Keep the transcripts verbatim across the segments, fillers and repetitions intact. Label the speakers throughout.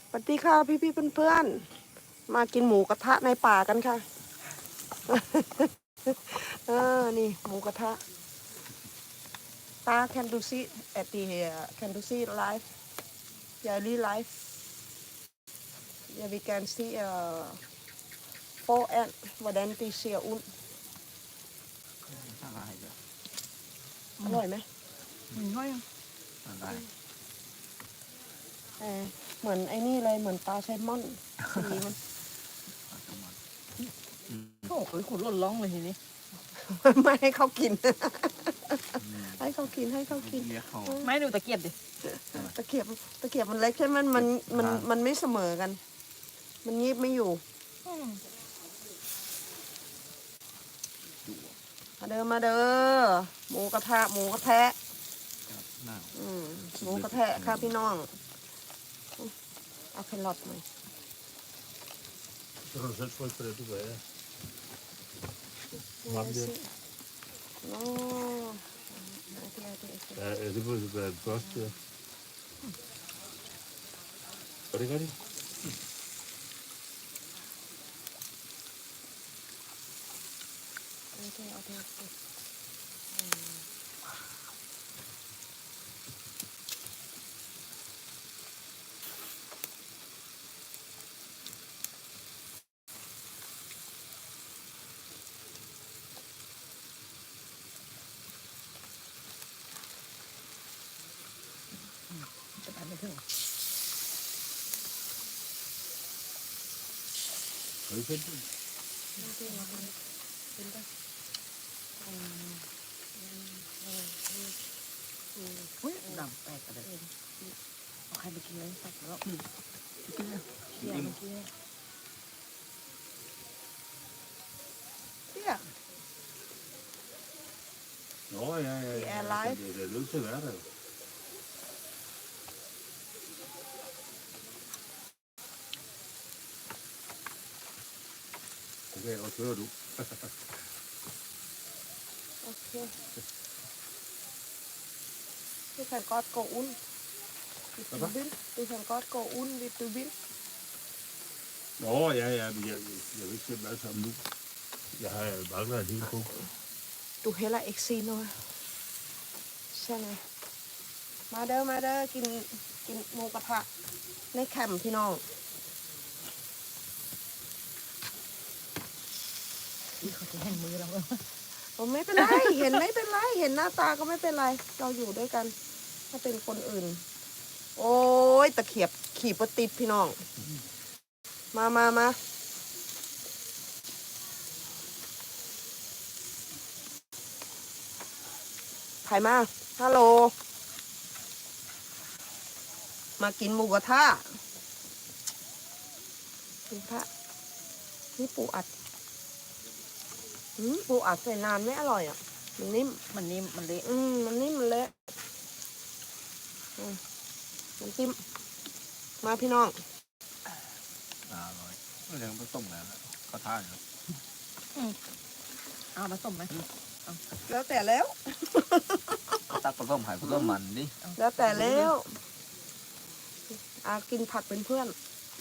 Speaker 1: สวัสดีค่ะพี่พี่เพื่อนๆมากินหมูกระทะในป่ากันค่ะ เออนี่หมูกระทะตา can do see at the can do see live yeah really live yeah we can see uh four and hvordan de ser ud อร่อยไหมอร่อยเออเหมือนไอ้นี่เลยเหมือนปลาแซลมอนสีมัน
Speaker 2: โอ้โหขนหล่นร้องเลยทีนี้
Speaker 1: ไม่ให้เขากิน ให้เขากินให้เขากิน
Speaker 2: ไม่ดูตะเกียบดิ
Speaker 1: ตะเกียบตะเกียบมันเล็กใช่ไหมมันมันมันไม่เสมอกัน มันงีบไม่อยู่มาเด้อมาเด้อหมูกระทะหมูกระแทะอืมหมูกระแทะค่ะพี่น้องเอาแครอทหน่อย
Speaker 3: Så kan du selv trykke på det, du vil have. Varme det.
Speaker 1: Nå.
Speaker 3: Ja, ja, det burde være det første, ja. Og det gør de.
Speaker 1: Okay, okay, okay.
Speaker 2: จะไปไม่ถึง
Speaker 3: Har du fedt?
Speaker 1: Okay, okay.
Speaker 2: อุ้ยดำแตกกันเลยเอาใครไปกินเลยสักแล้วกินเลยเดี๋ยวมันกินเลยเนี่ย
Speaker 3: Nå, ja, ja,
Speaker 1: Det
Speaker 3: ja.
Speaker 1: er live.
Speaker 3: Det, det er nødt til at være der. jo. Okay, og kører du.
Speaker 1: Okay. Du kan godt gå ud. Hvis du vil. Du kan godt gå ud, hvis du vil.
Speaker 3: Nå, ja, ja, men jeg, jeg vil ikke se dem alle sammen nu. Jeg har mangler en hel kog.
Speaker 1: Du heller ikke se noget. Sådan. มาเด้อมาเด้อกินกินหมูกระทะในแคมป์พี่น้อง
Speaker 2: นี่เขาจะแห่งมือเรา
Speaker 1: ผมไม่เป็นไร เห็นไม่เป็นไร เห็นหน้าตาก็ไม่เป็นไร เราอยู่ด้วยกัน ถ้าเป็นคนอื่น โอ้ยตะเขียบขี่ปติดพี่น้อง มามามาใครมา ฮัลโหล มากินหมูกระทะหมูกระทะนี่ปูอัดอืมปูอัดใส่นานไม่อร่อยอ่ะ มันนิ่ม
Speaker 2: มันนิ่มมันเละ
Speaker 1: อืมมันนิ่มมันเละอืมน้ำจิ้มมาพี่น้อง
Speaker 4: อร่อยไม่ยังผสมแล้วก็ท่าอยู่
Speaker 2: เอาผสมไหม
Speaker 1: แล้วแต่แล้ว
Speaker 4: ตักผสมไข่ผสมมันดิ
Speaker 1: แล้วแต่แล้วอากินผักเป็นเพื่อน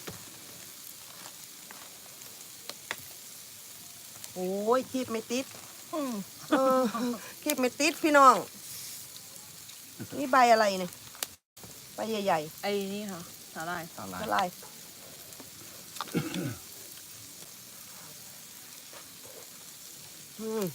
Speaker 1: โอ้ยคีบไม่ติด
Speaker 2: อืม
Speaker 1: เออคีบไม่ติดพี่น้อง นี่ใบอะไรเนี่ยใบใหญ่
Speaker 2: ไอ้นี่ค่ะสาหร่าย
Speaker 4: สาห
Speaker 1: ๆ
Speaker 4: ร่าย
Speaker 1: อะไรอืม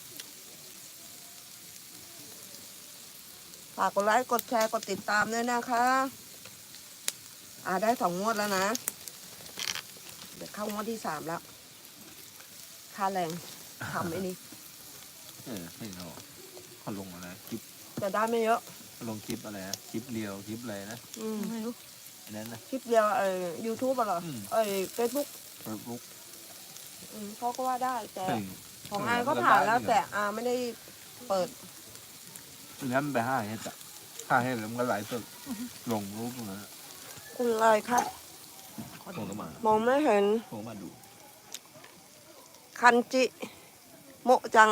Speaker 1: ฝากกดไลค์กดแชร์กดติดตามด้วยนะคะ อ่าได้สองงวดแล้วนะ เดี๋ยวเข้างวดที่สามแล้ว ค่าแรงทำไอ้นี่
Speaker 4: เออให้เราเขาลงอะไรคลิป
Speaker 1: จะได้ไม่เยอะ
Speaker 4: เขาลงคลิปอะไรนะคลิปเรียวคลิปอะไรนะ
Speaker 1: อืม
Speaker 2: ไม่รู้
Speaker 4: อันนั้นนะ
Speaker 1: คลิปเดียวเอ่อยูทูบอะเหรอ
Speaker 4: อืม
Speaker 1: เอ้ยเฟซบุ๊ก
Speaker 4: เฟซบุ๊ก
Speaker 1: เขาก็ว่าได้แต่
Speaker 4: เฮ้ย
Speaker 1: ของอาก็ผ่านแล้วแต่อาไม่ได้เปิด
Speaker 4: อันนั้นไปห้าเฮ็ดอะห้าเฮ็ดแล้วมันก็ไหลฟ์สดลงรูปตรงนั้นอะ
Speaker 1: คุณอะไรครับ
Speaker 4: ผมก็มาม
Speaker 1: องไม่เห็น
Speaker 4: ผมก็มาดู
Speaker 1: คันจิ โมะจัง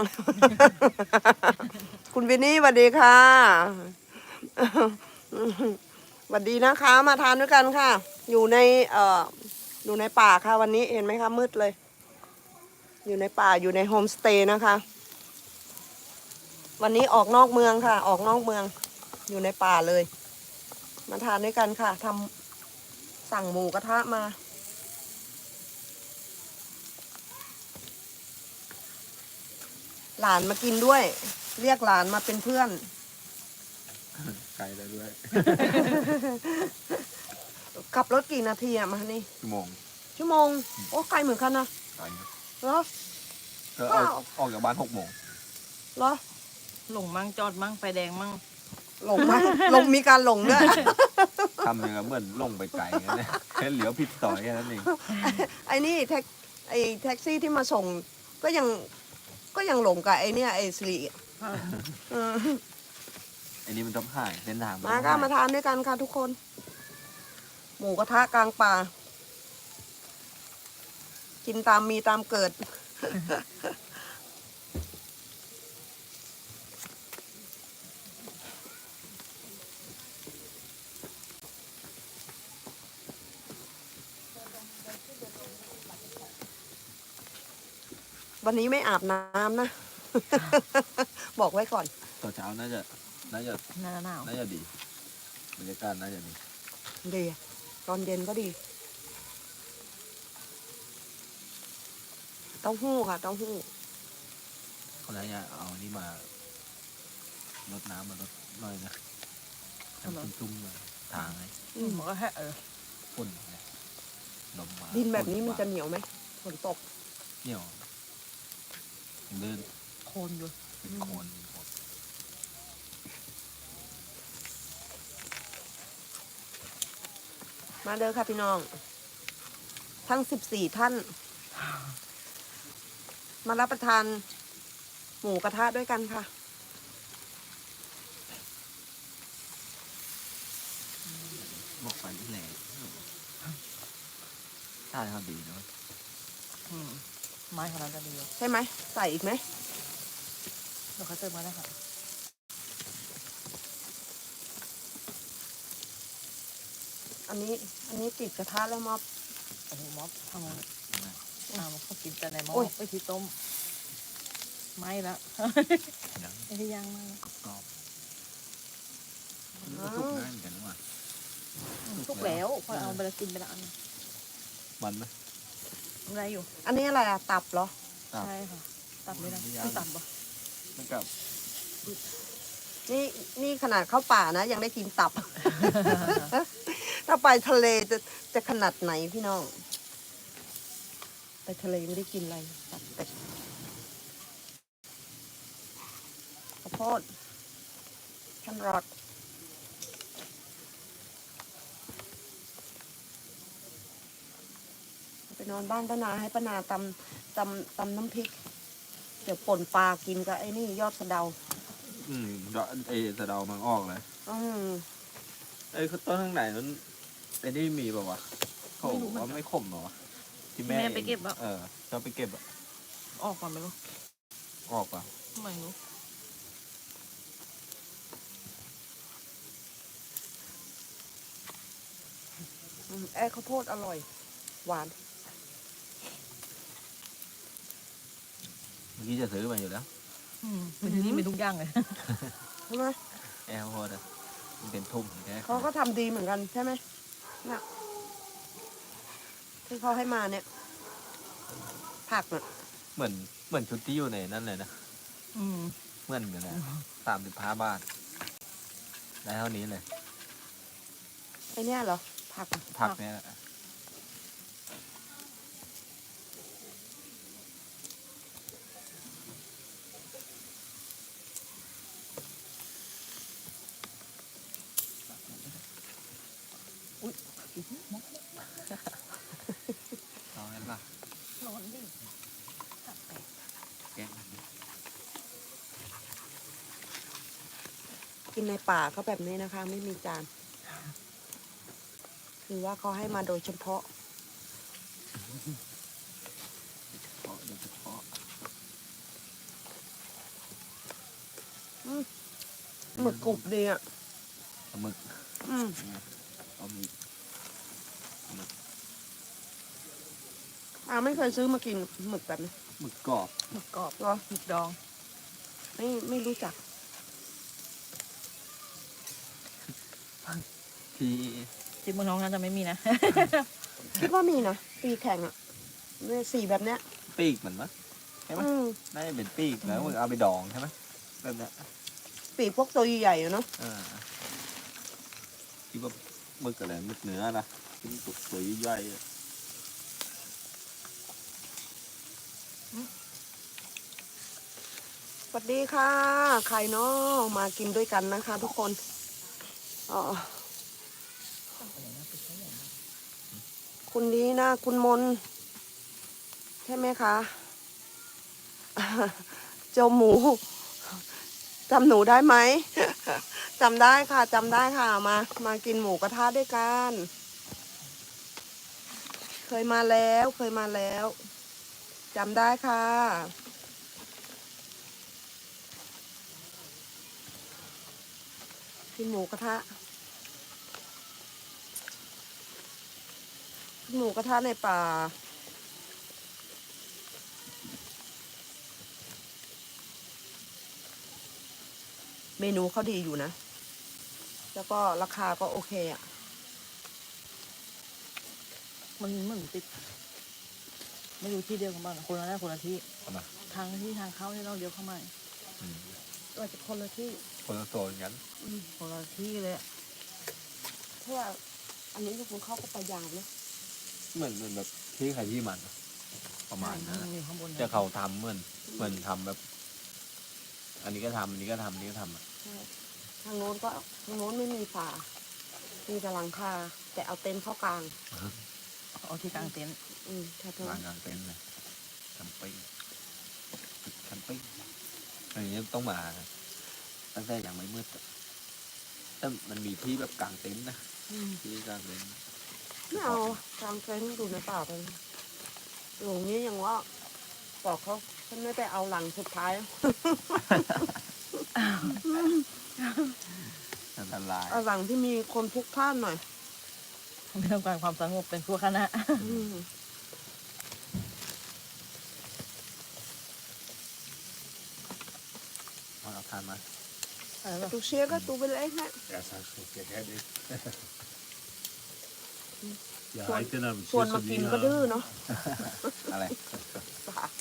Speaker 1: คุณวินนี่สวัสดีค่ะ สวัสดีนะคะ มาทานด้วยกันค่ะอยู่ในเอ่ออยู่ในป่าค่ะวันนี้เห็นไหมคะมืดเลย อยู่ในป่าอยู่ในโฮมสเตย์นะคะ วันนี้ออกนอกเมืองค่ะ ออกนอกเมือง อยู่ในป่าเลย มาทานด้วยกันค่ะทำสั่งหมูกระทะมา หลานมากินด้วย เรียกหลานมาเป็นเพื่อน
Speaker 4: ไกลได้ด้วย
Speaker 1: ขับรถกี่นาทีอะมานี่
Speaker 4: ชั่วโมง
Speaker 1: ชั่วโมง โอ้ไกลเหมือนกันนะ
Speaker 4: ไกลนะ
Speaker 1: เหรอ
Speaker 4: เธอออกออกจากบ้านหกโมง
Speaker 1: เหรอ
Speaker 2: หลงมั่งจอดมั่งไฟแดงมั่ง
Speaker 1: หลงไหม หลงมีการหลงด้วย
Speaker 4: ทำอย่างกับเหมือนลงไปไกลอย่างนั้นเลยแค่เหลียวผิดต่อยแค่นั้นเอง
Speaker 1: ไอ้นี่แท็กไอ้แท็กซี่ที่มาส่งก็ยังก็ยังหลงกับไอ้เนี่ยไอ้สิริเออ
Speaker 4: ไอ้นี่มันต้องหายเส้นทางน
Speaker 1: มา
Speaker 4: ต้อง
Speaker 1: ก็
Speaker 4: หย
Speaker 1: มาทานด้วยกันค่ะทุกคน หมูกระทะกลางป่า กินตามมีตามเกิด วันนี้ไม่อาบน้ำนะ บอกไว้ก่อน
Speaker 4: ตอนเช้าน่าจะน่าจะ
Speaker 2: หน้าหนาว
Speaker 4: น่าจะดีบรรยากาศน่าจะดี
Speaker 1: ดีอะตอนเย็นก็ดี เต้าหู้ค่ะ เต้าหู้
Speaker 4: คนนั้นเนี่ยเอานี่มาลดน้ำมาลดหน่อยนะทำจุ่มๆมาทางให้
Speaker 1: อืม
Speaker 2: มันก็แค่เออ
Speaker 4: ฝุ่นเนี่ยลมมา
Speaker 1: ดินแบบนี้
Speaker 4: ฝุ่
Speaker 1: มันจะเหนียวไหมฝนตก
Speaker 4: เหนียวเดิน
Speaker 2: โคนอยู่
Speaker 4: เป็นโคลนหมด
Speaker 1: มาเด้อค่ะพี่น้อง ทั้งสิบสี่ท่าน มารับประทานหมูกระทะด้วยกันค่ะ
Speaker 4: บอกไปที่แหล่ท่าทางดีเนาะ
Speaker 2: อืมไม้ของเราจะดีอยู่
Speaker 1: ใช่ไหม ใส่อีกไหม
Speaker 2: เดี๋ยวเขาเติมมาได้ค่ะ
Speaker 1: อันนี้ อันนี้ติดกระทะแล้วมอบ
Speaker 2: โอ้โหม็อบทำไงอ่ามันเขากินแต่ในหม้อ
Speaker 1: โอ้ย
Speaker 2: ไปที่ต้มไหม้แล้ว
Speaker 4: ยัง
Speaker 2: ไอ้ที่ย่างไหม้
Speaker 4: กรอบมันก็สุกง่ายเหมือนกันนะว่ะ
Speaker 2: ทุกแล้วพอเอาไปแล้วกินไปแล้วอัน
Speaker 4: มันไหม
Speaker 2: อะไรอยู่
Speaker 1: อันนี้อะไรอะตับเหรอ
Speaker 4: ตับ
Speaker 2: ใช่ค่ะ ตับไม่ได้
Speaker 4: ไม่ยาก
Speaker 2: ไม่ตับปะ
Speaker 4: มันกับ
Speaker 1: นี่นี่ขนาดเข้าป่านะ ยังได้กินตับ ถ้าไปทะเลจะจะขนาดไหนพี่น้อง ไปทะเลไม่ได้กินอะไรตับเป็ดข้าวโพดแครอทไปนอนบ้านป้านาให้ป้านาตำตำตำน้ำพริก เดี๋ยวป่นปลากินกับไอ้นี่ยอดสะเดา
Speaker 4: อืมดอกไอ้สะเดามันออกเลย
Speaker 1: อืม
Speaker 4: ไอ้ต้นข้างไหนนั้นไอ้นี่มีป่าวะเขาบอกว่าไม่ขมเหรอวะที่แม่
Speaker 2: แม่ไปเก็บอะ
Speaker 4: เออชอบไปเก็บอะ
Speaker 2: ออกก่อนไม่รู้
Speaker 4: ออกป่ะ
Speaker 2: ไม่รู้
Speaker 1: อืมแอ้ข้าวโพดอร่อย หวาน
Speaker 4: เมื่อกี้จะซื้อมาอยู่แล้ว
Speaker 2: อืมเป็นที่นี่มีทุกอย่างเลย
Speaker 1: ใช่ไหม
Speaker 4: แอลโฮดอะมันเป็นทุ่มแค่
Speaker 1: เขาก็ทำดีเหมือนกันใช่ไหมเนี่ยที่เขาให้มาเนี่ย ผักเนี่ย
Speaker 4: เหมือนเหมือนชุดที่อยู่ในนั่นเลยนะ
Speaker 2: อืม
Speaker 4: เหมือนกันนะสามสิบห้าบาทได้เท่านี้เลย
Speaker 1: ไอเนี่ยเหรอ ผักอะ
Speaker 4: ผักเนี่ยแหละเอางั้นป่ะ
Speaker 2: ร้อนดิ
Speaker 4: แกงมัน
Speaker 1: กินในป่าก็แบบนี้นะคะ ไม่มีจาน คือว่าเขาให้มาโดยเฉพาะ
Speaker 4: เพาะโดยเฉพาะ
Speaker 1: หมึกกรุบดีอ่ะ
Speaker 4: ปลาหมึก
Speaker 1: อืม
Speaker 4: เอามี
Speaker 1: อาไม่เคยซื้อมากินหมึกแบบนี้
Speaker 4: หมึกกรอบ
Speaker 2: หมึกกรอบ
Speaker 1: เหรอ
Speaker 2: หมึกดอง
Speaker 1: ไม่ไม่รู้จัก
Speaker 4: ที่
Speaker 2: ที่เมืองน้องน่าจะไม่มีนะ
Speaker 1: คิดว่ามีนะปีแข่งอ่ะเนี่ยสีแบบเนี้ย
Speaker 4: ปีกเหมือนมั้ยใช่ไหม
Speaker 1: อืม
Speaker 4: น่าจะเป็นปีกแล้วมึงเอาไปดองใช่ไหมแบบเนี้ย
Speaker 1: ปีพวกตัวใหญ่ๆอะเนาะ
Speaker 4: อ่าที่ว่าหมึกอะไรหมึกเนื้อนะที่มันตัวตัวใหญ่ๆอะ
Speaker 1: สวัสดีค่ะใครเนาะมากินด้วยกันนะคะ ทุกคนอ๋อคุณดีนะคุณมนใช่ไหมคะเจ้าหมูจำหนูได้ไหม จำได้ค่ะจำได้ค่ะมามากินหมูกระทะด้วยกันเคยมาแล้วเคยมาแล้วจำได้ค่ะกินหมูกระทะกินหมูกระทะในป่าเมนูเขาดีอยู่นะ แล้วก็ราคาก็โอเคอ่ะ
Speaker 2: มันเหมือนติดไม่รู้ที่เดียวกันบ้างคนละหน้าคนละที่
Speaker 4: เอามา
Speaker 2: ทางที่ทางเข้าที่เราเดียวเข้ามา
Speaker 4: อืม
Speaker 1: อาจจะคนละที่
Speaker 4: คนละโซนกัน
Speaker 2: คนละที่เลยอะ
Speaker 1: เพราะว่าอันนี้ทุกคนเข้าก็ไปยาวนะ
Speaker 4: เหมือนเหมือนแบบที่ใครที่มันอะประมาณนั้น
Speaker 2: มั
Speaker 4: อะ
Speaker 2: นอยู่ข้างบนนะ
Speaker 4: จะเขาทำเหมือนเหมือนทำแบบ อันนี้ก็ทำอันนี้ก็ทำอันนี้ก็ทำอะ
Speaker 1: ใช่ทางโน้นก็ทางโน้นไม่มีฝา มีแต่หลังคาแต่เอาเต็นท์เข้ากลาง
Speaker 2: เอาที่กลางเต็นท์
Speaker 1: อืมแค่นั้น
Speaker 4: ร้านกลางเต็นท์เลยแคมปิ้งแคมปิ้งอันนี้ต้องมาตั้งแต่ยังไม่มืดอะแต่มันมีที่แบบกลางเต็นท์นะ
Speaker 1: อืม
Speaker 4: ที่กลางเต็นท์
Speaker 1: ไม่เอากลางเต็นท์ดูในป่าไปหลงนี้ยังว่าบอกเขาฉันไม่ไปเอาหลังสุดท้าย
Speaker 4: อันตราย
Speaker 1: เอาหลังที่มีคนพลุกพล่านหน่อย
Speaker 2: ไม่ต้องการความสงบเป็นพวกคณะ
Speaker 1: อืม
Speaker 4: เอาเราทานมา
Speaker 2: อะไรแบบ
Speaker 1: ตูเชียร์ก็ตูไปเลยฮะ
Speaker 3: Ja, så skal jeg have det. Jeg har ikke den her
Speaker 1: ชวนมากินก็ดื้อเนาะ
Speaker 4: อะไร
Speaker 1: ป่า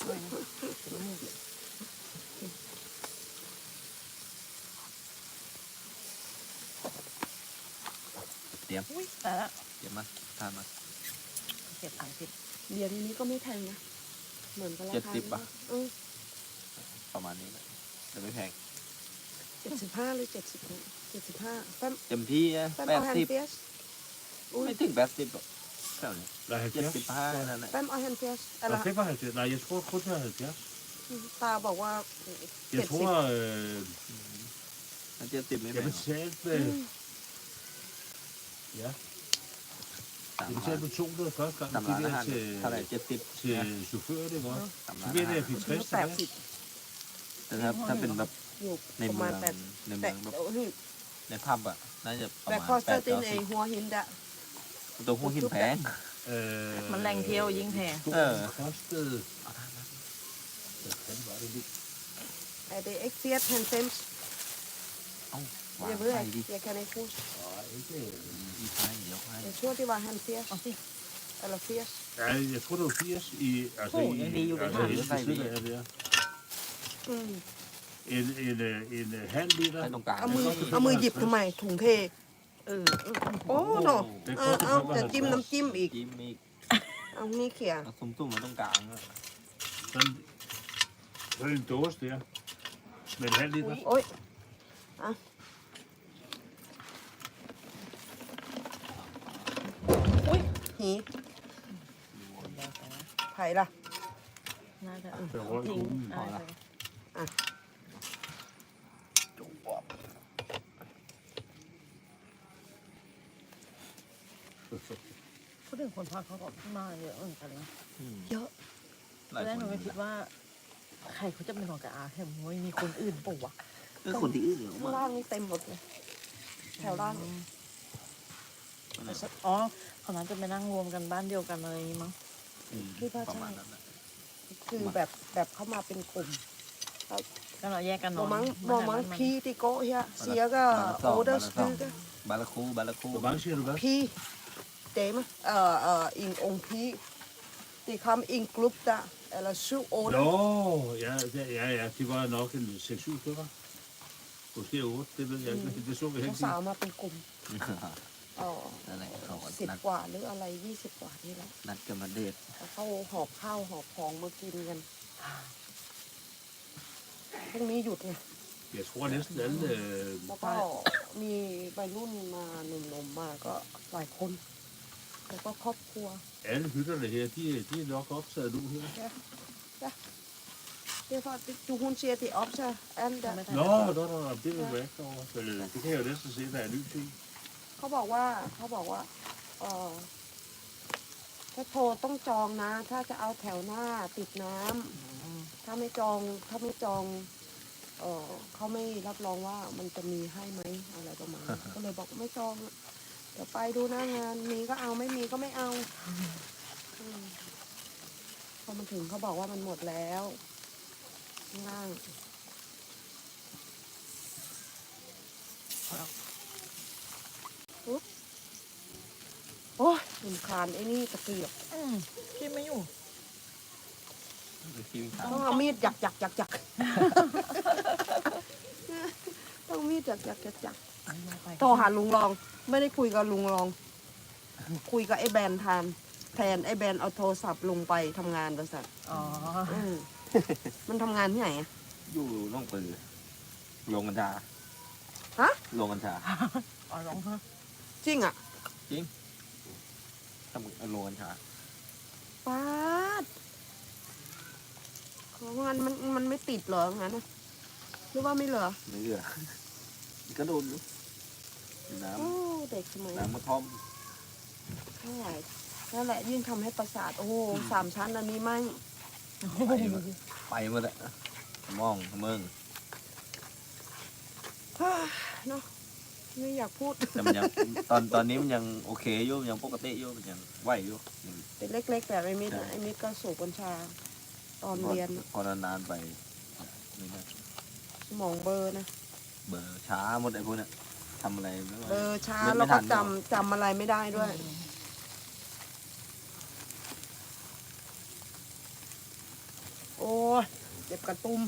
Speaker 2: อุ้ยแต่ละ
Speaker 4: เดี๋ยวมาทานมา
Speaker 2: เก็บถังสิบ
Speaker 1: เบียร์ที่นี้ก็ไม่แพงนะ เหมือนกันรา
Speaker 4: เจ็ด
Speaker 1: คา
Speaker 4: สิบป่ะ
Speaker 1: อืม
Speaker 4: ประมาณนี้แหละแต่ไม่แพง
Speaker 1: เจ็ดสิบห้าหรือเจ็ดสิบเจ็ดสิบห้าแป้ม
Speaker 4: เต็มที่นะ
Speaker 1: แป้ม
Speaker 4: แป
Speaker 1: เอา
Speaker 4: ด
Speaker 1: แฮน
Speaker 4: สิบ
Speaker 1: เฟียสอุ้ย
Speaker 4: ไม่ถึงแปดสิบหรอกแค่นี้
Speaker 3: Der er
Speaker 4: เจ็ดสิบ
Speaker 3: halvfjerds.
Speaker 4: ห้านั่นแหละ
Speaker 1: แป้มเอาแฮนเฟียสอะไร
Speaker 3: Der er femoghalvfjerds. Nej, jeg tror kun, der er halvfjerds.
Speaker 1: ตาบอกว่าเจ็
Speaker 3: Jeg
Speaker 1: ดสิบ
Speaker 3: tror, øh,
Speaker 4: มันเจ็ดสิบไม่แพ
Speaker 3: jeg
Speaker 4: ง
Speaker 3: betalte med... Ja,
Speaker 4: สาม
Speaker 3: jeg
Speaker 4: ร้าน
Speaker 3: betalte med to hundrede første gang.
Speaker 4: สาม
Speaker 3: Det
Speaker 4: ร้าน
Speaker 3: der
Speaker 4: อาหาร
Speaker 3: til,
Speaker 4: เท่าไหร่เจ็ดสิบ
Speaker 3: til chaufføren, ikke også?
Speaker 4: สาม
Speaker 3: Så
Speaker 4: ร้าน
Speaker 3: ved
Speaker 4: อา
Speaker 3: jeg,
Speaker 4: หาร
Speaker 3: at jeg fik tres
Speaker 1: แปด
Speaker 3: tilbage.
Speaker 1: สิบ
Speaker 4: แต่ถ้าถ้าเป็นแบบ
Speaker 1: อยู่
Speaker 4: ใน
Speaker 1: ประ
Speaker 4: เมื
Speaker 1: มา
Speaker 4: อ
Speaker 1: ณ
Speaker 4: ง
Speaker 1: แปด
Speaker 4: ใน
Speaker 1: แป
Speaker 4: เมื
Speaker 1: ด
Speaker 4: องแบบ
Speaker 1: โอ้ย
Speaker 4: ในผับอ่ะน่าจะประ
Speaker 1: แปด
Speaker 4: มาณ
Speaker 1: คอส
Speaker 4: แป
Speaker 1: เตอ
Speaker 4: ด
Speaker 1: ร์ติน
Speaker 4: เก้า
Speaker 1: เอ
Speaker 4: สิบ
Speaker 1: หัวหินดะ
Speaker 4: ตัวหัวหินแพง
Speaker 3: Øh,
Speaker 2: มันแรงเที่ยวยิ่งแพง
Speaker 3: stolen kostede...
Speaker 4: เอาทานมา
Speaker 3: Hvad fanden var det nu?
Speaker 1: ไอเด็กเอ็กเฟียสแฮนเซมส์
Speaker 4: เอ้า วา
Speaker 1: เดี๋ย
Speaker 4: ง
Speaker 1: วเพื่อ
Speaker 4: ไข่
Speaker 1: น
Speaker 4: ดิ
Speaker 1: เดี๋ยวแค่ในคูส
Speaker 3: Nej, ikke...
Speaker 4: อีกไข่เดี๋ยวให้
Speaker 1: เดี๋ยวช่วงที่ว่าแฮนเฟียส
Speaker 2: เอาสิ
Speaker 1: อะไรเฟียส
Speaker 3: Ja, jeg tror, det var firs i... Altså,
Speaker 2: Oh,
Speaker 3: i,
Speaker 2: ja, det er jo det
Speaker 3: altså,
Speaker 2: her.
Speaker 3: i ved siden af der.
Speaker 1: อืม
Speaker 3: En, en, øh, en øh, halv liter.
Speaker 4: ให้ตรงกลาง
Speaker 1: เอามือเอามือหยิบทำไมถุงเท
Speaker 2: เออเออ
Speaker 1: โอ้โน
Speaker 3: Det
Speaker 1: เอา
Speaker 3: koster
Speaker 1: เอาจะจิ้ม
Speaker 3: femoghalvtreds.
Speaker 1: น้ำจิ้มอีก
Speaker 4: จิ้มอีก
Speaker 1: เอานี่เขี่ย
Speaker 4: เอาซุ้มๆมาตรงกลางอะ
Speaker 3: Sådan, sådan en dåse der. Med en halv liter.
Speaker 1: โอ้ยอ่ะอุ้ยหีไผ่ล่ะ
Speaker 2: น่าจะ
Speaker 3: เดี๋ยวรออีก
Speaker 2: ทิ้ง
Speaker 3: คุ้ม
Speaker 2: น่าจะ พูดถึงคนพักเขาก็มาเยอะเหมือนกันนะ
Speaker 4: อืม
Speaker 1: เยอะ
Speaker 4: หลาย
Speaker 2: แรก
Speaker 4: ค
Speaker 2: หนู
Speaker 4: น
Speaker 2: ไม่คิดว่า ใครเขาจะเป็นของกับอาแค่ไม่มีคนอื่นปะวะ
Speaker 4: ก็คนที่อื่นเหรอ
Speaker 1: ข้างล่างนี่เต็มหมดเลย แถวล่าง
Speaker 2: อ๋อเขาน่าจะไปนั่งรวมกันบ้านเดียวกันอะไรอย่างงี้มั้ง
Speaker 4: อืม
Speaker 1: คิดว่า
Speaker 4: ประ
Speaker 1: ใช่
Speaker 4: มาณนั้นนะ
Speaker 1: คือแบบแบบเข้ามาเป็นกลุ่ม
Speaker 2: ก็เราแยกกันน
Speaker 1: บ
Speaker 2: อ
Speaker 1: อน มั้งบ
Speaker 2: ไม่
Speaker 1: อ
Speaker 2: ใช่
Speaker 1: มั้ง
Speaker 2: บ้านมัน
Speaker 1: พี่ที่โกะเฮียเสียก็โอเดอร์สตูก็
Speaker 4: บาลาคูบาลาคู
Speaker 3: Hvor mange siger du hvad?
Speaker 1: พี่เต็มเอ่อเอ่ออิงองค์พี่ที่คำอิงกลุ่มจ้ะeller syv otte
Speaker 3: Nå, ja, ja, ja, ja, de var nok en seks syv stykker. Måske otte, det ved jeg ikke, det, det så vi
Speaker 1: เขา
Speaker 3: ikke
Speaker 1: สาว
Speaker 3: lige.
Speaker 1: มาเป็นกลุ่มเอ๋อ
Speaker 4: นั่นแหละเขาก็
Speaker 1: สิบ
Speaker 4: นัด
Speaker 1: กว่าหรืออะไรยี่สิบกว่านี่แหละ
Speaker 4: นัดกันมาเดท
Speaker 1: แล้วเขาหอบข้าวหอบของมากินกันพรุ่งนี้หยุดไง
Speaker 3: Jeg tror næsten alle, øh,
Speaker 1: แล้วก็มีวัยรุ่นมาหนุ่มๆมาก็หลายคน แล้วก็ครอบครัว
Speaker 3: alle hytterne her, de, de er nok optaget nu her.
Speaker 1: Derfor, det, du hun siger, det er op til alle der.
Speaker 3: Nå, nå, nå, nå, det vil være ikke over. Men, øh, det kan jeg jo næsten se, der er lys i.
Speaker 1: เขาบอกว่าเขาบอกว่าเออถ้าโทรต้องจองนะ ถ้าจะเอาแถวหน้าติดน้ำถ้าไม่จองถ้าไม่จองเออเขาไม่รับรองว่ามันจะมีให้ไหมอะไรประมาณนั้นก็เลยบอกไม่จองอะเดี๋ยวไปดูหน้างานมีก็เอาไม่มีก็ไม่เอาอืมพอมาถึงเขาบอกว่ามันหมดแล้วข้างล่างปุ๊บโอ้ยรำคาญไอ้นี่ตะเกียบ
Speaker 2: อืมกินไม่อยู่
Speaker 4: คิวขา
Speaker 1: ต้องเอามีดหยักหยักหยักหยัก ต้องมีดหยักหยักหยักหยักโทรหาลุงรอง ไม่ได้คุยกับลุงรอง คุยกับไอ้แบนแทนแทนไอ้แบนเอาโทรศัพท์ลุงไปทำงานบริษัท
Speaker 2: อ๋อ
Speaker 1: อืมมันทำงานที่ไหนอะ
Speaker 4: อยู่ล่องปือลงกัญชา
Speaker 1: ฮะ
Speaker 4: ลงกัญชา
Speaker 2: อ๋อร้องฮะ
Speaker 1: จริงอ่ะ
Speaker 4: ทำลงกัญชา
Speaker 1: ป้าดของงานมันมันไม่ติดเหรองั้นนะหรือว่าไม่เหรอ
Speaker 4: ไม่เหลือก็โดนอยู่น้
Speaker 1: โอ้เด็กสมัย
Speaker 4: ำน้ำมะท่อม
Speaker 1: เท่าไหร่นั่นแหละยิ่งทำให้ประสาทโอ้โหสามชั้นอันนี้ไม่
Speaker 4: ไปหมดไปหมดอะมองเมือง
Speaker 1: เนาะไม่อยากพูด
Speaker 4: แต่มันยังตอนตอนนี้มันยังโอเคอยู่มันยังปกติอยู่มันยังไหวอยู่ยัง
Speaker 1: เป็นเล็กๆแต่ไอ้มิดไอ้มิดก็สูบกัญชา ตอนเรียน
Speaker 4: พอนานๆไปนี่นะ
Speaker 1: สมองเบลอร์นะ
Speaker 4: เบอร์ช้าหมดไอ้พวกเนี้ยทำอะไรไม่ไหว
Speaker 1: เบลอร์ช้า
Speaker 4: ไม่
Speaker 1: แล้ว
Speaker 4: ไม่ทั
Speaker 1: ก็
Speaker 4: น
Speaker 1: จำจำอะไรไม่ได้ด้วย โอ้ยเจ็บกระตุ้ม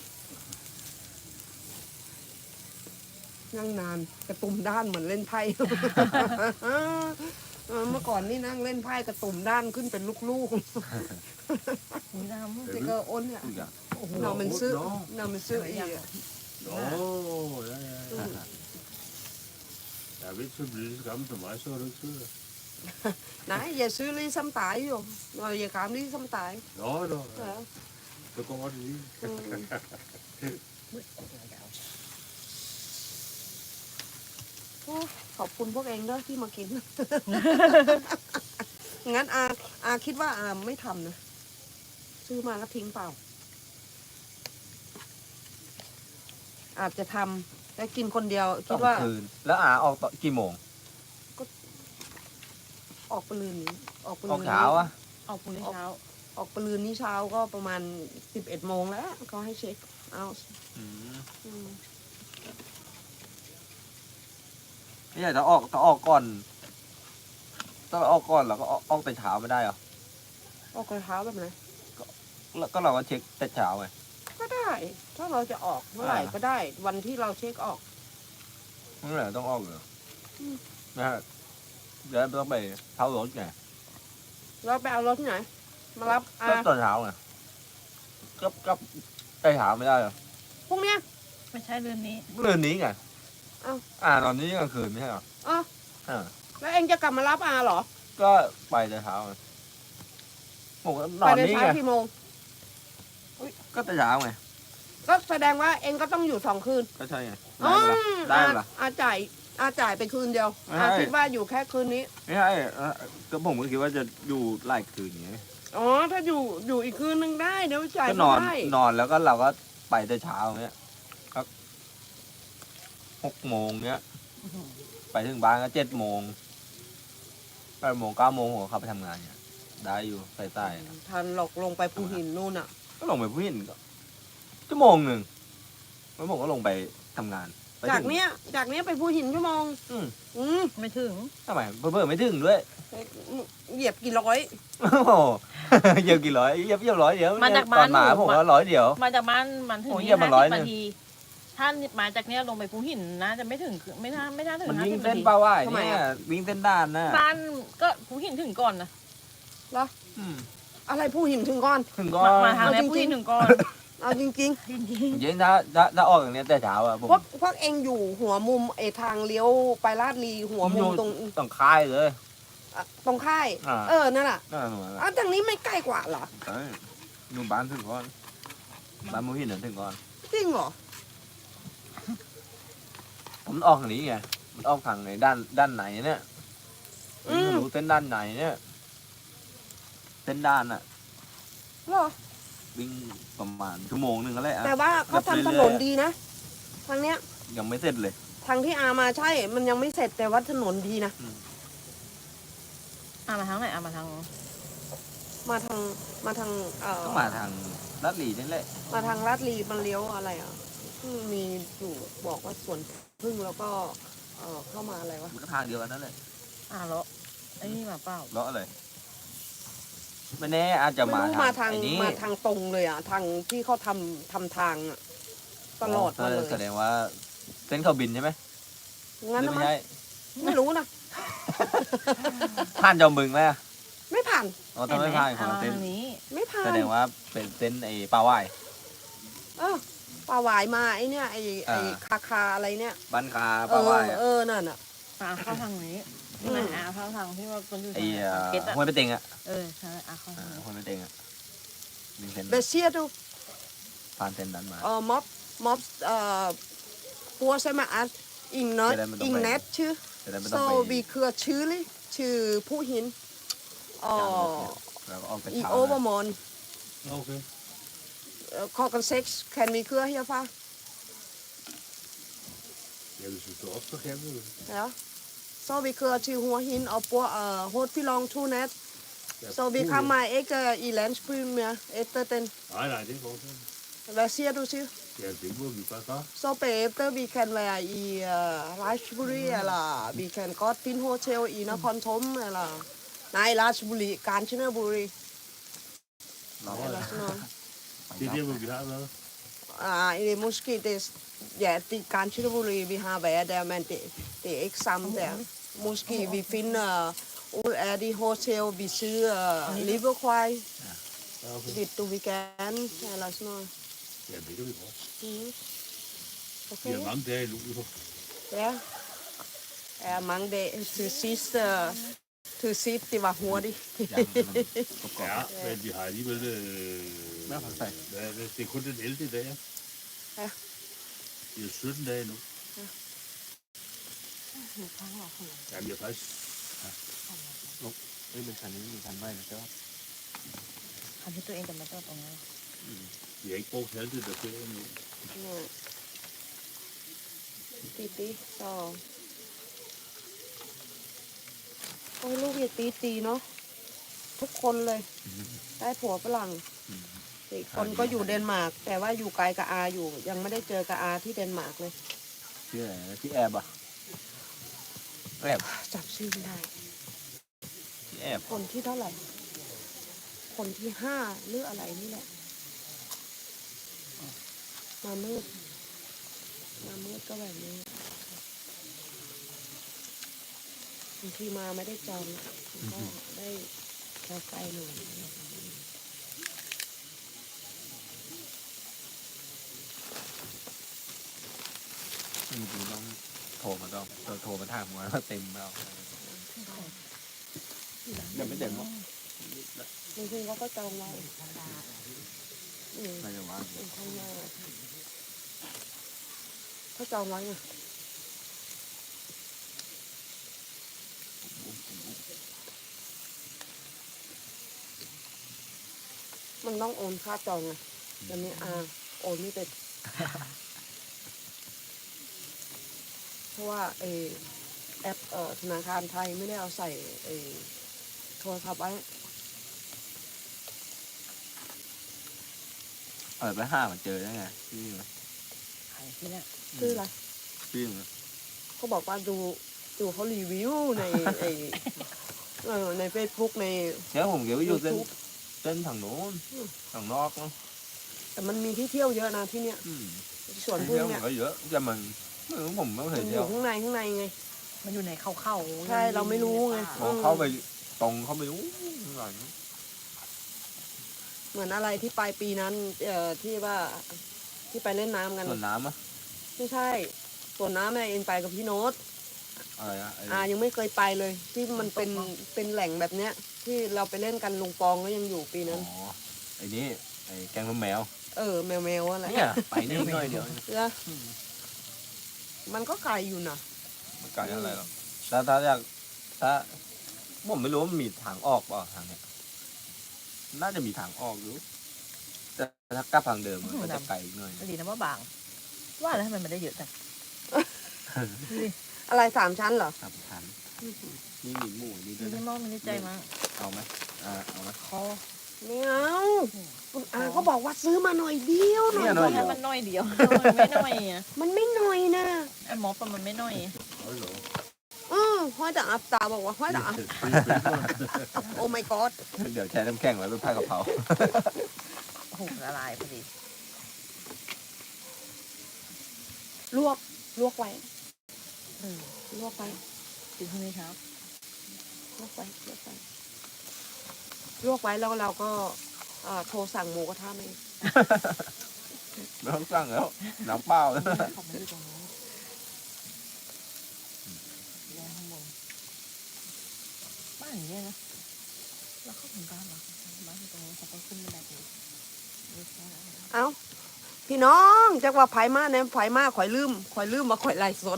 Speaker 1: นั่งนานกระตุ่มด้านเหมือนเล่นไพ่ เออเมื่อก่อนนี่นั่งเล่นไพ่กระตุ่มด้านขึ้นเป็นลูก
Speaker 2: มีน้ำ
Speaker 1: ๆ det gør ondt her
Speaker 4: ทุกอย่าง
Speaker 1: når man sidder når man sidder i
Speaker 3: Nå, ja, ja, ja. Jeg er ikke så blevet lige så gammel som mig, så er du ikke sød.
Speaker 1: nej jeg syr ligesom dig jo når jeg gammel ligesom dig
Speaker 3: Nå, nå, ja.
Speaker 1: ja.
Speaker 3: Så går det lige.
Speaker 1: mm. โอ้ขอบคุณพวกเองด้วยที่มากิน งั้นอาอาคิดว่าอาไม่ทำนะ ซื้อมาแล้วทิ้งเปล่า อาจจะทำแต่กินคนเดียวคิดว่า
Speaker 4: สองคืนแล้วอาออกตอนกี่โมง
Speaker 1: ออกปลืนนี้ออกปลื
Speaker 4: ออกเช้าอะ
Speaker 2: ออกพรุ่งนี้เช้า
Speaker 1: ออกปลืนนี้เช้าก็ประมาณสิบเอ็ดโมงแล้วเขาให้เช็คเอา
Speaker 4: อืม
Speaker 1: อืม
Speaker 4: ไม่ใช่ถ้าออกถ้าออกก่อนถ้าออกก่อนเราก็ออกออกแต่เช้าไม่ได้เหรอ
Speaker 1: ออกกระเช้าแบบไหน
Speaker 4: แล้วก็เราก็เช็คแต่เช้าไง
Speaker 1: ก็ได้ ถ้าเราจะออกเมื่อไหร่
Speaker 4: อ่า
Speaker 1: ก็ได้ วันที่เราเช็คออก
Speaker 4: นั่นแหละต้องออกเหรออ
Speaker 1: ม
Speaker 4: นะฮะเดี๋ยวต้องไปเท้ารถไง
Speaker 1: เราไปเอารถที่ไหน มารับอา
Speaker 4: ก็ตอนเช้าไงก็ก็แต่เช้าไม่ได้เหรอ
Speaker 1: พรุ่งเนี้ย
Speaker 2: ไม่ใช่เรือนนี้
Speaker 4: เรื่องนี้ไง
Speaker 1: เอ้า
Speaker 4: อ่าตอนนี้กลางคืนไม่ใช่เหรอ
Speaker 1: อ๋อ
Speaker 4: อ่า
Speaker 1: แล้วเองจะกลับมารับอาเหรอ
Speaker 4: ก็ไปแต่เช้าไงผมก็น
Speaker 1: ไป
Speaker 4: อน
Speaker 1: ใน
Speaker 4: นี่
Speaker 1: เช้า
Speaker 4: ไง
Speaker 1: กี่โมง
Speaker 4: ก็แต่เช้าไง
Speaker 1: ก็แสดงว่าเองก็ต้องอยู่สองคืน
Speaker 4: ก็ใช่ไง
Speaker 1: อ๋
Speaker 4: ได้
Speaker 1: อ
Speaker 4: ปะล่ะได้ปะล่ะ
Speaker 1: อาจ่ายอาจ่ายไปคืนเดียว
Speaker 4: ไม่
Speaker 1: อา
Speaker 4: ให้
Speaker 1: คิดว่าอยู่แค่คืนนี้
Speaker 4: ไม่ใช่เอ่อก็ผมก็คิดว่าจะอยู่หลายคืนอย่างเงี้ย
Speaker 1: อ๋อ ถ้าอยู่อยู่อีกคืนนึงได้เดี๋ยวจ่าย
Speaker 4: ก็
Speaker 1: ไม่
Speaker 4: นอน
Speaker 1: ได้
Speaker 4: นอนแล้วก็เราก็ไปแต่เช้าเงี้ยก็หกโมงเงี้ย ไปถึงบ้านก็เจ็ดโมงไปแปดโมงเก้าโมงผมก็เข้าไปทำงานเนี่ยได้อยู่ใต้ใต้
Speaker 1: ทันหลอกลงไปภูหินนู่นอ่ะ
Speaker 4: ก็ลงไปผู้หินก็ชั่วโมงหนึ่งแล้วผมก็ลงไปทำงานไปถึง
Speaker 1: จากเนี้ยจากเนี้ยไปภูหินชั่วโมง
Speaker 4: อืม
Speaker 1: อืม
Speaker 2: ไม่ถึง
Speaker 4: ทำไมเพิ่มไม่ถึงด้วย
Speaker 1: เหยียบกี่ร้อย
Speaker 4: โอ้โหเหยียบกี่ร้อยเหยียบเหยียบร้อยเดียว
Speaker 2: มาจาก
Speaker 4: ต
Speaker 2: บ้า
Speaker 4: อน นมา
Speaker 2: หนู
Speaker 4: ผมก็ร้อยเดียว
Speaker 2: มาจากบ้านมันถึง
Speaker 4: โอ้ย
Speaker 2: นี่
Speaker 4: เยี่ยมมา
Speaker 2: ห้า
Speaker 4: ร้อย
Speaker 2: สิบ
Speaker 4: หนึ่ง
Speaker 2: นาทีถ้ามาจากเนี้ยลงไปภูหินนะจะไม่ถึงไม่น่าไม่น่าถึง
Speaker 4: มัน
Speaker 2: ห้า
Speaker 4: วิ่ง
Speaker 2: สิบ
Speaker 4: เส้
Speaker 2: นาน ที
Speaker 4: ปลาว่าย
Speaker 1: ทำไม
Speaker 4: เนี่ย
Speaker 1: อะ
Speaker 4: วิ่งเส้นด้านนะ
Speaker 2: บ้านก็ภูหินถึงก่อนนะ
Speaker 4: อืม
Speaker 1: อะไรภูหินถึงก่อน
Speaker 4: ถึงก็
Speaker 2: มามาทาง
Speaker 1: เอา
Speaker 2: เนี้ย
Speaker 1: จริงๆ
Speaker 2: ภูหินถึงก่อน
Speaker 1: เอาจริง
Speaker 2: จริง
Speaker 4: จริงๆถ้าถ้าถ้าออกอย่างเนี้ยแต่เช้าอะผม
Speaker 1: ๆพวกพวกเองอยู่หัวมุมไอทางเลี้ยวไปลาดลีหัวมุมตรง
Speaker 4: ต้องค่ายเลย
Speaker 1: อ่ะตรงค่าย
Speaker 4: อ่า
Speaker 1: เออนั่นแหละ
Speaker 4: นั่นแหละหนูอะ
Speaker 1: อ้าวทางนี้ไม่ใกล้กว่าเหรอ
Speaker 4: เอ้ยหนูบ้านถึงก่อนบ้านมูหินน่ะถึงก่อน
Speaker 1: จริงเหรอ
Speaker 4: ผมออกทางนี้ไงมันออกทางไหนด้านด้านไหนเนี่ย
Speaker 1: อืม
Speaker 4: ไม่รู้เส้นด้านไหนเนี่ยเส้นด้านอะ
Speaker 1: เหรอ
Speaker 4: วิ่งประมาณชั่วโมงหนึ่งก็แล้ว
Speaker 1: แต่ว่าเขาทำถนนดีนะทางเนี้ย
Speaker 4: ยังไม่เสร็จเลย
Speaker 1: ทางที่อามาใช่ มันยังไม่เสร็จแต่ว่าถนนดีนะ
Speaker 2: อ่ะมาทางไหนอ่ะมาทาง
Speaker 1: มาทางมาทางเอ่อ
Speaker 4: ต้องมาทางลัดหลีนี่แหละ
Speaker 1: มาทางลาดลีมันเลี้ยวอะไรอ่ะที่มีอยู่บอกว่าสวนพึ่งแล้วก็เอ่อเข้ามาอะไรวะ
Speaker 4: มันก็ทางเดียวกันนั่นแหละ
Speaker 2: อ่ะแล้วไอ้นี่มาเปล่า
Speaker 4: เลาะเลยไม่แน่อาจจะ
Speaker 1: ไม่
Speaker 4: มา
Speaker 1: รู้มาทาง
Speaker 4: ไอ้นี้
Speaker 1: มาทางตรงเลยอ่ะทางที่เขาทำทำทางอ่ะตลอดมาเลย
Speaker 4: แสดงว่าเส้นเขาบินใช่ไหม
Speaker 1: งั้น
Speaker 4: หรือ
Speaker 1: นะ
Speaker 4: ไม่
Speaker 1: มั้ง
Speaker 4: ใช่
Speaker 1: ไม่รู้นะ
Speaker 4: ผ่านจอมบึงไหมอะ
Speaker 1: ไม่ผ่าน
Speaker 4: อ๋อถ้าไม่ผ่านข
Speaker 2: อ่ะ
Speaker 4: อง
Speaker 2: มา
Speaker 4: เส้น
Speaker 2: ทางนี้
Speaker 1: ไม่ผ่าน
Speaker 4: แสดงว่าเป็นเส้นไอ้ปลาว่าย
Speaker 1: เออปลาหวายมาไอเนี่ยไอไอ
Speaker 4: อ่า
Speaker 1: คาคาอะไรเนี่ย
Speaker 4: บ้านคา
Speaker 1: เอ
Speaker 4: ปลา
Speaker 1: อ
Speaker 4: ว่ายอะ
Speaker 1: เออนั่นอ่ะ
Speaker 2: อ่ะเข้าทางนี้
Speaker 1: อืม
Speaker 2: ไม่อ่ะเข้าทางที่ว่าคนอยู่
Speaker 4: ไอ้
Speaker 2: ทาง
Speaker 4: เอ่อ
Speaker 2: เก็ตอ่ะ
Speaker 4: ห้วยไปเต็งอะ
Speaker 2: เออใช่อ่ะเข้าทา
Speaker 4: อ่าง
Speaker 2: นี้
Speaker 4: ห้วยไปเต็งอะมีเส้น
Speaker 1: เบเซียดู
Speaker 4: ผ่านเส้นนั้นมา
Speaker 1: เออม็อบม็อบเอ่อปัวใช่ไหมอ่ะอิงเนต
Speaker 4: จะได้ไม่ต้อง
Speaker 1: อิง
Speaker 4: ไป
Speaker 1: เนตชื่อ
Speaker 4: จะได้ไม่
Speaker 1: โซ
Speaker 4: ต้องไป
Speaker 1: บีเครือชื่อเลยชื่อผู้หินอ๋อ
Speaker 4: แล้วก็ออกไป
Speaker 1: อี
Speaker 4: เช้า
Speaker 1: โอเวอ
Speaker 4: นะ
Speaker 1: ร์มอน
Speaker 3: Ok.
Speaker 1: คอกันเซ็กซ์แคนมีเครือเฮียฟ้า
Speaker 3: Ja, hvis du står op, så kan du det.
Speaker 1: แล้วโซบีเครือชื่อหัวหินเอาปัวเอ่อโฮดพี่ลองทูเนต
Speaker 3: Ja,
Speaker 1: โซบี
Speaker 3: puh,
Speaker 1: คามาเอ็กอีแลนด์พรีเมียร์เอเตอร์เตน
Speaker 3: Nej, nej, det går ikke.
Speaker 1: เบเซียดูชื่อ
Speaker 3: Ja, det må vi bare gøre.
Speaker 1: Så bagefter vi kan være i uh, Rajbury, eller vi kan godt finde hotel i Nakhon eller nej, Rajbury, Kanchanaburi,
Speaker 4: เราก็
Speaker 1: eller sådan noget.
Speaker 3: Det er der, hvor vi har været.
Speaker 1: Ah, det er måske det, ja, det er Kanchanaburi, vi har været der, men det, det er ikke sammen der. Måske vi finder ud af de hotel, vi sidder uh, Liverpool,
Speaker 3: Ja, okay.
Speaker 1: hvis du vil gerne, eller sådan noget.
Speaker 3: Ja, det kan vi godt.
Speaker 1: Mm.
Speaker 3: Vi
Speaker 1: Okay.
Speaker 3: har mange dage i Luleå.
Speaker 1: Ja. Ja, mange dage. Til sidst, uh, til sidst det var hurtigt.
Speaker 4: ยังมันกรอบ
Speaker 3: Ja, men vi har alligevel... Øh,
Speaker 4: Hvad for sig?
Speaker 3: hvad er det? Det er kun den ellevte dag.
Speaker 1: Ja.
Speaker 3: Det er sytten dage nu.
Speaker 2: หนูข้างหลังหัว
Speaker 3: Jamen, jeg er faktisk...
Speaker 4: เฮ้ยมันคันนี้มีคันไว้นะเจ้า
Speaker 2: คันที่ตัวเองจะมาจอดตรงนี้
Speaker 3: Vi har ikke brugt halvdelen af ferien nu.
Speaker 1: Nej. Tí tí, så... โอ้ยลูกอย่าตีตีเนาะทุกคนเลย ได้ผัวฝรั่งอีกคนก็อยู่เดนมาร์ก แต่ว่าอยู่ไกลกับอาอยู่ ยังไม่ได้เจอกับอาที่เดนมาร์กเลย
Speaker 4: ชื่ออะไรนะที่แอบอ่ะแอบ
Speaker 1: จับชื่อไม่ได้
Speaker 4: ที่แอบ
Speaker 1: คนที่เท่าไหร่ คนที่ห้าหรืออะไรนี่แหละ มามืด มามืดก็แบบนี้บางทีมาไม่ได้จองก็ได้ไกลๆหน่อย
Speaker 4: จริงๆต้องโทรมาต้องเราโทรมาถามว่าเต็มแล้วยังไม่เต็มหรอก
Speaker 1: บางทีเขาก็จองไว้อืม
Speaker 4: น่าจะว่าง
Speaker 1: ข้างหน้าเขาจองไว้ไงมันต้องโอนค่าจองไงเดี๋ยวนี้อาโอนไม่เป็น เพราะว่าเออแอปเอ่อธนาคารไทยไม่ได้เอาใส่ไอ้โทรศัพท์ไว้
Speaker 4: เออไปห้ามันเจอได้ไงพี่มั้ย
Speaker 2: ใครที่เนี่ย
Speaker 1: ชื่ออะไร
Speaker 4: พี่มั้ย
Speaker 1: เขาบอกว่าดูดูเขารีวิวในไอ้เออในเฟซบุ๊กใน
Speaker 4: เดี๋ยวผมเดี๋ยวไปอยู่เส้น
Speaker 1: YouTube
Speaker 4: เส้นทางโน้น
Speaker 1: อืม
Speaker 4: ทางนอกเนาะ
Speaker 1: แต่มันมีที่เที่ยวเยอะนะที่เนี้ย
Speaker 4: อืม
Speaker 1: สวน
Speaker 4: ที่
Speaker 1: พึ่ง
Speaker 4: เที่ยว
Speaker 1: เนี่ย
Speaker 4: ก็เยอะแต่มันไม่รู้ผมไม่เค
Speaker 1: มั
Speaker 4: ย
Speaker 1: นอ
Speaker 4: เที่ยว
Speaker 1: ยู่ข้างในข้างในไง
Speaker 2: มันอยู่ในเข้าเข้า
Speaker 1: ใช่เราไม่รู้ไง
Speaker 4: พอเข้าไปตรงเข้าไปนู้นหลัง
Speaker 1: เหมือนอะไรที่ปลายปีนั้นเอ่อที่ว่าที่ไปเล่นน้ำกัน
Speaker 4: ส่วนน้ำอะ
Speaker 1: ไม่ใช่สวนน้ำเนี่ยเอ็นไปกับพี่โน้ต
Speaker 4: อะไรอะไอ้
Speaker 1: อายังไม่เคยไปเลย ที่มันเป็นเป็นแหล่งแบบเนี้ย ที่เราไปเล่นกันลุงปองก็ยังอยู่ปีนั้น
Speaker 4: อ๋อไอ้นี่ไอ้แกงน้ำแมว
Speaker 1: เออแมวแมวๆอะไร
Speaker 4: เนี่ยไปนี่หน่อยเดียว
Speaker 1: เออมันก็ไกลอยู่นะ
Speaker 4: มันไกลอะไรหรอกถ้าถ้าอยากถ้าผมไม่รู้ว่ามันมีทางออกเปล่าทางเนี้ยน่าจะมีทางออกอยู่แต่ถ้ากลับทางเดิมมันก็จะไกลอีกหน่อย
Speaker 2: ดีนะว่าบาง ว่าแล้วทำไมมันได้เยอะจังดูดิ
Speaker 1: อะไรสามชั้นเหรอ
Speaker 4: สามชั้นนี่มีหมูนี่ด้
Speaker 2: ดู
Speaker 4: วย
Speaker 2: ดิ
Speaker 4: นะ
Speaker 2: มองมันได้ใจมาก
Speaker 4: เอาไหมอ่าเอาไหม
Speaker 2: คอ
Speaker 1: ไม่เอาคุณอาก็บอกว่าซื้อมาหน่อยเดียวหน่อย
Speaker 4: เนี่ยหน่อยเดี
Speaker 2: ให้
Speaker 4: ยว
Speaker 2: มันน้อยเดียวมันไม่น้อยอ่ะ
Speaker 1: มันไม่หน่อยนะ
Speaker 2: ไอ้หมอปะมันไม่น้อย
Speaker 3: Oj då.
Speaker 1: อือห้อยแต่อับตาบอกว่าห้อยแต่อับโอ้ my god
Speaker 4: เดี๋ยวแช่น้ำแข็งไว้เป็นผ้ากะเพรา
Speaker 2: โอ้โหละลายพอดี
Speaker 1: ลวกลวกไว้
Speaker 2: เออ
Speaker 1: ลวกไว้
Speaker 2: กินพรุ่งนี้เช้า
Speaker 1: ลวกไว้ลวกไว้ลวกไว้แล้วเราก็เอ่อโทรสั่งหมูกระทะมาเอง
Speaker 4: ไม่ต้องสั่งแล้วน้ำเปล่าแล้ว
Speaker 2: ขอบมันอยู่ตรงนี้แรงข้างบนบ้านอย่างเงี้ยนะแล้วเข้าถึงบ้านเหรอบ้านอยู่ตรงนี้เขาก็ขึ้นบันไดไปนี่แค่นั้นเอง
Speaker 1: เอ้าพี่น้องจักว่าไผมาเนี่ยไผมาข่อยลืมข่อยลืมว่าข่อยไล่สด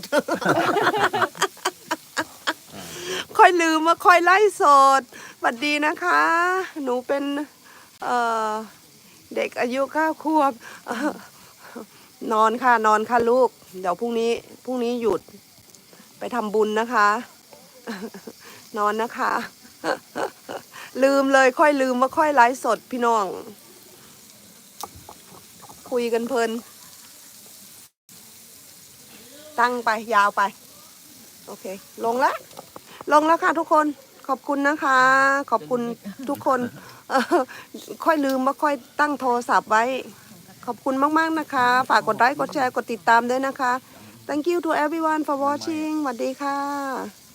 Speaker 1: ค่อยลืมว่าค่อยไล่สดสวัสดีนะคะ หนูเป็นเอ่อเด็กอายุเก้าขวบ เอ่อนอนค่ะนอนค่ะลูก เดี๋ยวพรุ่งนี้พรุ่งนี้หยุดไปทำบุญนะคะ นอนนะคะ ลืมเลยค่อยลืมว่าค่อยไลฟ์สดพี่น้อง คุยกันเพลิน ตั้งไปยาวไป โอเค ลงแล้ว ลงแล้วค่ะทุกคน ขอบคุณนะคะ ขอบคุณทุกคน เออค่อยลืมว่าค่อยตั้งโทรศัพท์ไว้ ขอบคุณมากๆนะคะ ฝากกดไลค์ กดแชร์ กดติดตามด้วยนะคะ thank you to everyone for watching สวัสดีค่ะ